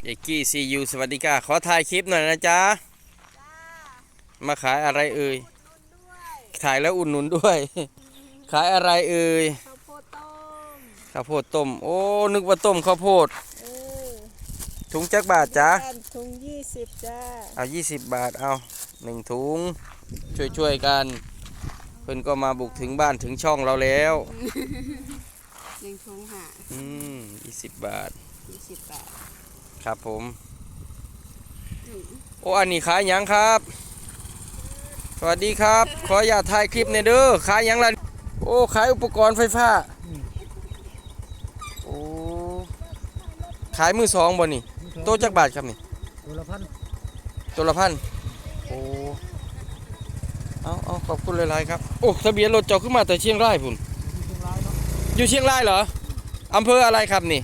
เอกกี้ซียูสวัสดีค่ะขอถ่ายคลิปหน่อยนะจ๊ะมาขายอะไรเอ่ยถ่ายแล้วอุ่นหนุนด้วย ขายอะไรเอ่ยข้าวโพดต้มข้าวโพดต้มโอ้นึกว่าต้มข้าวโพดเออถุงจักบาทจ๊ะถุง20จ้าเอา20 บาทเอา1 ถุงช่วยกันเพิ่นก็มาบุกถึงบ้านถึงช่องเราแล้วถุงค่ะ 20 บาท 20 บาทครับผมโอ้อันนี้ขายหยังครับสวัสดีครับขออย่าถ่ายคลิปเนี่ยเด้อขายหยังล่ะโอ้ขายอุปกรณ์ไฟฟ้าโอ้ขายมือสองบ่นี่โต๊ะจักบาทครับนี่ตัวละพันโอ้เอาขอบคุณหลายๆครับโอ้ทะเบียนรถเจ้าขึ้นมาแต่เชียงรายพุ่นอยู่เชียงรายเหรออำเภออะไรครับนี่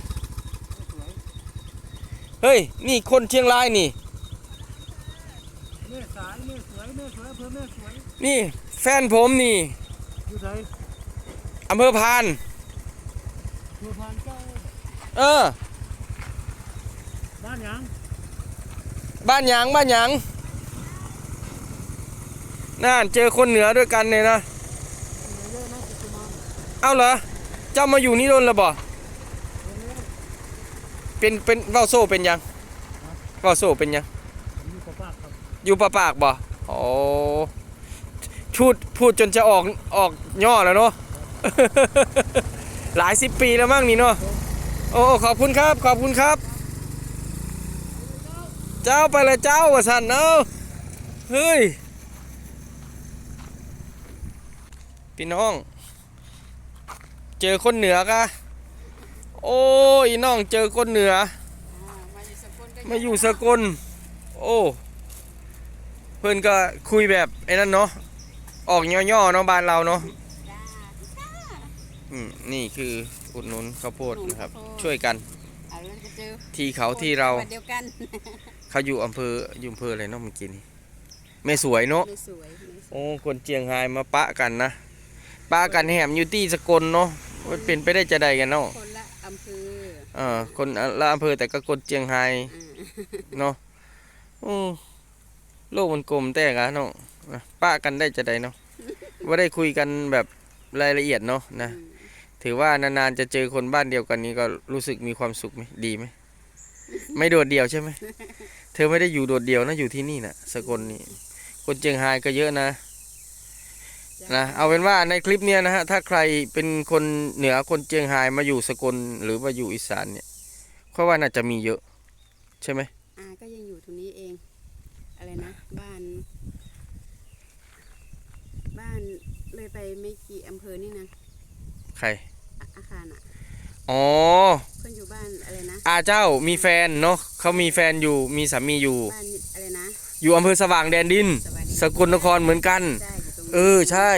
เฮ้ยนี่คนเชียงรายนี่แม่สายแม่สวยอำเภอแม่สวยนี่แฟนผมนี่อยู่ไหนอำเภอพานเจ้าบ้านหยังน่าเจอคนเหนือด้วยกันเนี่ยนะเอาเหรอเจ้ามาอยู่นี่โดนแล้วบ่เป็นเว้าโซ่เป็นยังเว้าโซ่เป็นยังอยู่ปะปากบ่โอ้พูดจนจะออกย่อแล้วเนาะ หลาย10 ปีแล้วมั้งนี่เนาะโอ้ขอบคุณครับเจ้าไปเลยเจ้าว่าสันเนาะเฮ้ยพี่น้องเจอคนเหนือกะโอ้ยน้องเจอคนเหนือมาอยู่สกลโอ้เพื่อนก็คุยแบบไอ้นั่นเนาะออกย่อๆเนาะบ้านเราเนาะนี่คืออุดหนุนข้าวโพดนะครับช่วยกันที่เขาที่เราเขาอยู่อำเภออะไรเนาะเมื่อกี้นี่แม่สวยเนาะโอ้คนเจียงไฮ้มาปะกันนะปะกันแหมอยู่ที่สกลเนาะมันเป็นไปได้จะใดกันเนาะคนละอำเภอคนละอำเภอแต่ก็คนเจียงไฮ้เนาะโลกมันกลมแต่กันเนาะปะกันได้จะใดเนาะว่าได้คุยกันแบบรายละเอียดเนาะนะถือว่านานๆจะเจอคนบ้านเดียวกันนี้ก็รู้สึกมีความสุขไหมดีไหมไม่โดดเดี่ยวใช่ไหมเธอไม่ได้อยู่โดดเดี่ยวนะอยู่ที่นี่นะสกลนี่คนเจียงไฮ้ก็เยอะนะเอาเป็นว่าในคลิปเนี้ยนะฮะถ้าใครเป็นคนเหนือคนเจียงไฮ้มาอยู่สกลหรือว่าอยู่อีสานเนี่ยเพราะว่าน่าจะมีเยอะใช่ไหมก็ยังอยู่ตรงนี้เองอะไรนะบ้านเลยไปไม่กี่อำเภอนี่นะใครอาคารอ๋อเพื่อนอยู่บ้านอะไรนะเจ้ามีแฟนเนาะเขามีแฟนอยู่มีสามีอยู่บ้านอะไรนะอยู่อำเภอสว่างแดนดินสกลนครเหมือนกันใช่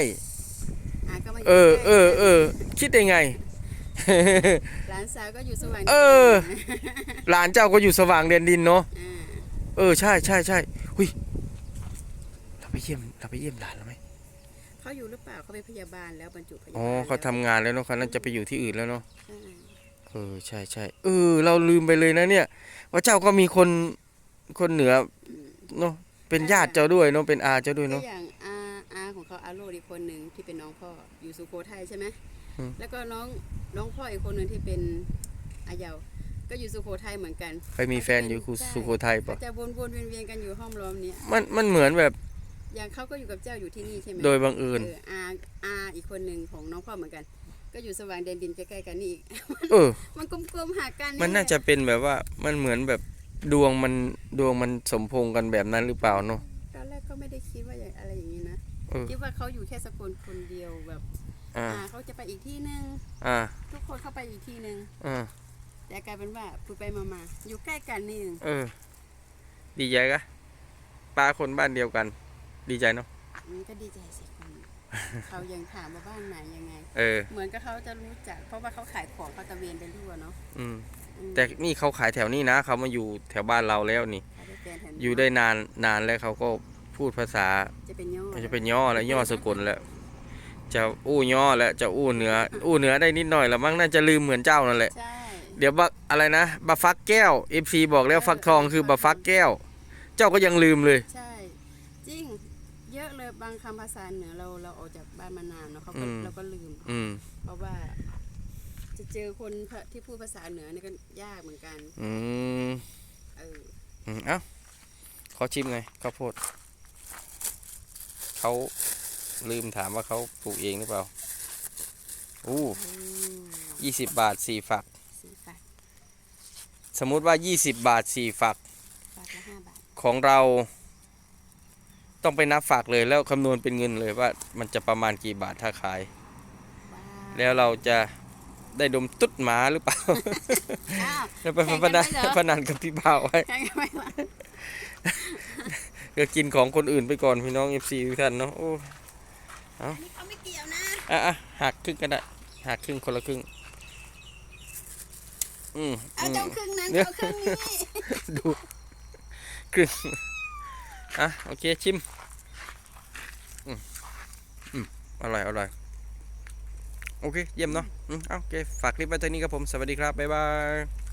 คิดได้ไงหลานสาวก็อยู่สว่างหลานเจ้าก็อยู่สว่างแดนดินเนาะใช่หุยเราไปเยี่ยมหลานแล้วไหมเขาอยู่หรือเปล่าเขาเป็นพยาบาลแล้วบรรจุพยาบาลเขาทำงานแล้วเนาะเขาน่าจะไปอยู่ที่อื่นแล้วเนาะใช่เราลืมไปเลยนะเนี่ยว่าเจ้าก็มีคนเหนือเนาะเป็นญาติเจ้าด้วยเนาะเป็นอาเจ้าด้วยเนาะอย่างอาของเขาอาโรดอีกคนหนึ่งที่เป็นน้องพ่ออยู่สุโขทัยใช่ไหมแล้วก็น้องพ่ออีกคนหนึ่งที่เป็นอาเยาก็อยู่สุโขทัยเหมือนกันไปมีแฟนอยู่สุโขทัยปะจะวนเวียนกันอยู่ห้อมล้อมเนี้ยมันเหมือนแบบอย่างเขาก็อยู่กับเจ้าอยู่ที่นี่ใช่ไหมโดยบังเอิญอาอีกคนหนึ่งของน้องพ่อเหมือนกันก็อยู่สว่างแดนดินใกล้ๆกันนี่อีกมันกลมๆหากันมันน่าจะเป็นแบบว่ามันเหมือนแบบดวงมันสมพงษ์กันแบบนั้นหรือเปล่าเนาะตอนแรกก็ไม่ได้คิดว่าอะไรอย่างนี้นะคิดว่าเขาอยู่แค่สกลคนเดียวแบบเขาจะไปอีกที่นึงทุกคนเข้าไปอีกที่นึงแต่กลายเป็นว่าพูดไปมาอยู่ใกล้กันนี่ดีใจกะป้าคนบ้านเดียวกันดีใจเนาะก็ดีใจสิเขายังถามว่าบ้านไหนยังไงเหมือนกับเขาจะรู้จักเพราะว่าเขาขายของเขาตะเวนไปทั่วเนาะแต่นี่เขาขายแถวนี้นะเขามาอยู่แถวบ้านเราแล้วนี่อยู่ได้นานแล้วเขาก็พูดภาษาจะเป็นย่อแล้วย่อสกลแล้วจะย่อแล้วจะเหนือได้นิดหน่อยแล้วมั้งน่าจะลืมเหมือนเจ้านั่นแหละเดี๋ยวอะไรนะบะฟักแก้ว FC บอกแล้วฟักทองคือบะฟักแก้ว เจ้าก็ยังลืมเลยใช่จริงเยอะเลยบางคำภาษาเหนือเราออกจากบ้านมานานเนาะเราก็ลืมเพราะว่าจะเจอคนที่พูดภาษาเหนือนี่ก็ยากเหมือนกันเอ้าขอชิมหน่อยข้าวโพดเขาลืมถามว่าเขาปลูกเองหรือเปล่า20 บาท4 ฝักสมมุติว่า20 บาท4 ฝักละ5 บาทของเราต้องไปนับฝักเลยแล้วคำนวณเป็นเงินเลยว่ามันจะประมาณกี่บาทถ้าขายแล้วเราจะได้ดมตุ๊ดหมาหรือเปล่าแล้วไปพนันกับพี่บ่าวไว้ก็กินของคนอื่นไปก่อนพี่น้อง FC ทุกท่านเนาะโอ้อันนี้เขาไม่เกี่ยวนะหักครึ่งก็ได้หักครึ่งคนละครึ่งเอาเจ้าครึ่งนั้นเจ้าครึ่งนี้ดูครึ่งโอเคชิมอร่อยโอเคเยี่ยมเนาะโอเคฝากคลิปไว้เท่านี้ครับผมสวัสดีครับบ๊ายบาย